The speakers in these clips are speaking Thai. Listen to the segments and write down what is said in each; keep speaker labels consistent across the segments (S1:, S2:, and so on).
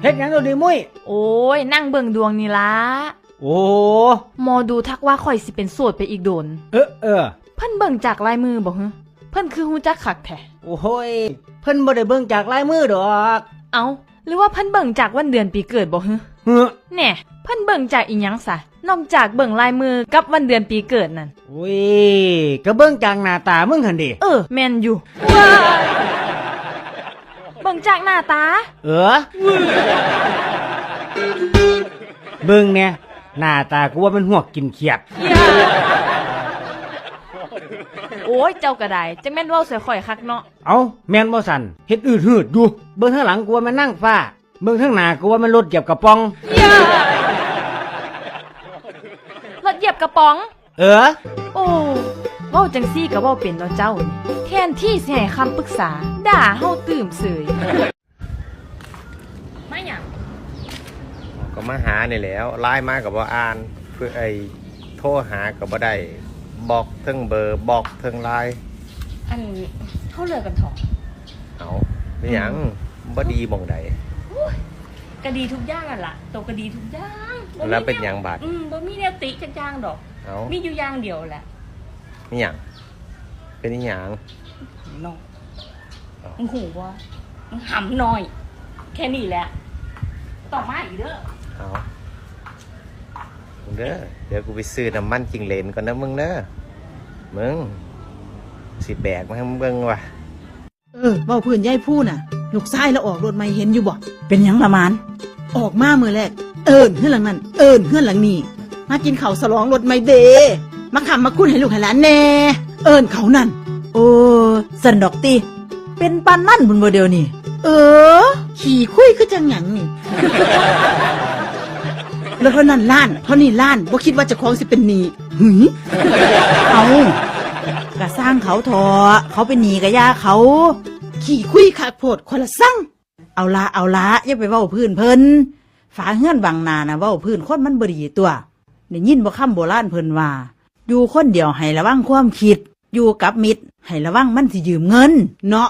S1: ฮ็ดหยังดูดิมุ้ย
S2: โอ้ยนั่งเบิ่งดวงนี่ละ
S1: โอ้
S2: หมอดูทักว่าข่อยสิเป็นโสดไปอีกโดน
S1: เ
S2: เพิ่นเบิ่งจากลายมือบ่ฮะเพิ่นคือฮู้จักคักแท้
S1: โอ้ยเพิ่นบ่ได้เบิ่งจากลายมือดอก
S2: เอ้าหรือว่าเพิ่นเบิ่งจากวันเดือนปีเกิดบ่ฮะแน่เพิ่นเบิ่งจากอีหยังซะนอกจากเบิ่งลายมือกับวันเดือนปีเกิดนั่น
S1: โอ้ยก็เบิ่งจากหน้าตามึงหั่นดิ
S2: แม่นอยู่เบิ่งจากหน้าตา
S1: เบิ่งเนี่ยหน้าตากูว่ามันหวกกินเขียด
S2: โอ้ยเจ้าก็ได้จังแม่นเว้าใส่ข่อยคักเนาะ
S1: เอ้าแม่นบ่สั่นเฮ็ดอืดหืดอยู่เบิ่งข้างหลังกูว่ามันนั่งฟ้าเบิ่งข้างหน้ากูว่ามันรถเหยียบกระป๋อง
S2: รถเหยียบกระป๋องโอ้เว้าจังซี่ก็เว้าเป็นเนาะเจ้านี่แทนที่สิให้คำปรึกษาด่าเฮาตื่มเสยมาหยัง
S3: ก็มาหานี่แหล้วไลน์มาก็บ่อ่านเพื่อโทรหาก็บ่ได้บอกเทิงเบอร์บอกเทิงไลน์
S2: อันเฮาเลิกกันเถาะ
S3: เอาเป็นหยังบ่ดีบ่งใด
S2: ก็ดีทุกอย่างนั่นล่ะโตก็ดีทุกอย่าง
S3: แล้วเป็นหยังบาด
S2: บ่มีแนวติจักอย่างดอกมีอยู่อย่างเดียวแหละ
S3: มีหยังเป็นอีหยัง
S2: น้องมึงหูว่ามึงหำน้อยแค่นี้แหละต่อมาอีกเด้อ
S3: เอาเด้อเดี๋ยวกูไปซื้อน้ำมันจิงเหลนก่อนนะมึงเด้อมึงสิแบกมาให้มึงเบิ่งว่ะ
S4: เว้าพื้นยายพูน่ะลูกชายแล้วออกรถใหม่เห็นอยู่บ่
S5: เป็นหยังละมาน
S4: ออกมามื้อแรกเฮือนหลังนั้นเฮือนหลังนี้มากินข้าวฉลองรถใหม่เด้มาค้ำมาคุ้นให้ลูกให้หลานแน่เขานั่น
S5: โอ้สันดอกติเป็นปานนั่นบุญบ่เดียวนี่
S4: ขี่คุยคือจังหยังนี่แล้วเท่านั้นล้านเท่านี้ล้านบ่คิดว่าเจ้าของสิเป็นหนี้หึ
S5: เอากะสร้างเขาทอเขาเป็นหนี้กะย่าเขา
S4: ขี่คุยคักโพดคนละสั่ง
S5: เอาละอย่าไปเว้าพื้นเพิ่นฝาเฮือนบางนาน่ะเว้าพื้นคนมันบ่ดีตัวได้ยินบ่คำโบราณเพิ่นว่าอยู่คนเดียวให้ระวังความคิดอยู่กับมิตรให้ระวังมันสิยืมเงินเนาะ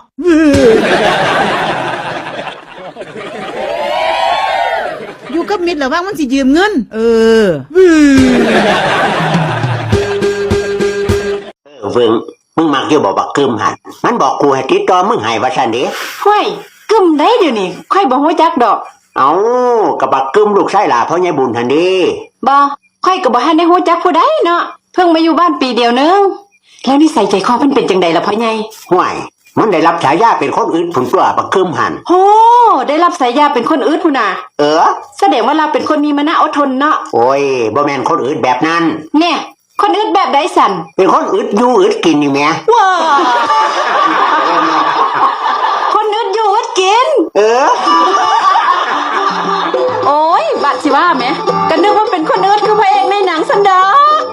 S4: อยู่กับมิตรระวังมันสิยืมเงิน
S6: เวิงมึงมักอยู่บอกบักกึมหันมันบอกกูให้ติดต่อมึงให้ว่าซั่นเด้
S7: ห้วยกึมได้เดี๋ยวนี้ค่อยบ่ฮู้จักดอก
S6: เอากับบักกึมลูกชายหล่าพ่อใหญ่บุญหั่นเด้
S7: บ่ค่อยก็บ่ทันได้ฮู้จักผู้ใดเนาะเพิ่งมาอยู่บ้านปีเดียวนึงแล้วนิสัยใจคอมันเป็นจังไดล่ะพ่อใหญ่
S6: ห่วยมันได้รับฉายาเป็นคนอื่นพุ่นตัวบักกึมหัน
S7: โหได้รับฉายาเป็นคนอื่นพุ่นน่ะแสดงว่าเราเป็นคนมีมนะอดทนเนาะ
S6: โอ้ยบ่แม่นคนอื่นแบบนั้น
S7: แน่คนอื่นแบบใดสั่น
S6: เป็นคนอึดอยู่อึดกินนี่แหม
S7: ว้า